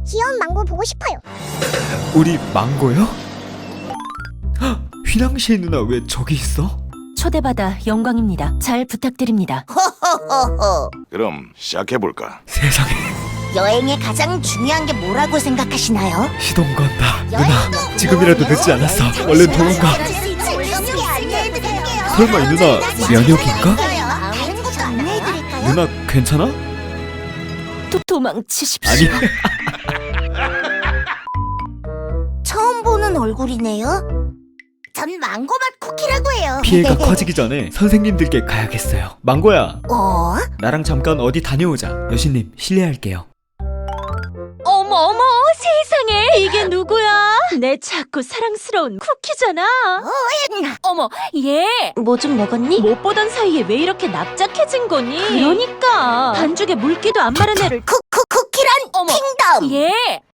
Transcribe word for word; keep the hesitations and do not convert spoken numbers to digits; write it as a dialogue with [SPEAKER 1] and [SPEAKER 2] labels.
[SPEAKER 1] 귀여운 망고 보고 싶어요.
[SPEAKER 2] 우리 망고요? 헉, 휘낭시에 누나 왜 저기 있어?
[SPEAKER 3] 초대받아 영광입니다. 잘 부탁드립니다.
[SPEAKER 1] 호호호호.
[SPEAKER 4] 그럼 시작해볼까?
[SPEAKER 2] 세상에,
[SPEAKER 1] 여행의 가장 중요한 게 뭐라고 생각하시나요?
[SPEAKER 2] 시동 건다. 누나, 지금이라도 늦지 않았어. 얼른 도망가. 설마 이 누나 면역인가?
[SPEAKER 1] 다른 것도 안내해드릴까요?
[SPEAKER 2] 누나 괜찮아?
[SPEAKER 3] 도, 도망치십시오.
[SPEAKER 2] 아니,
[SPEAKER 1] 처음 보는 얼굴이네요. 전 망고맛 쿠키라고 해요.
[SPEAKER 2] 피해가 커지기 전에 선생님들께 가야겠어요. 망고야,
[SPEAKER 1] 어?
[SPEAKER 2] 나랑 잠깐 어디 다녀오자. 여신님, 실례할게요.
[SPEAKER 3] 어머 어머 세상에 이게 누구야? 내 작고 사랑스러운 쿠키잖아. 어머 얘 뭐 좀 먹었니? 못 보던 사이에 왜 이렇게 납작해진 거니? 그러니까 반죽에 물기도 안 마른 애를
[SPEAKER 1] 쿠쿠 쿠키란
[SPEAKER 3] 어머.
[SPEAKER 1] 킹덤.
[SPEAKER 3] 얘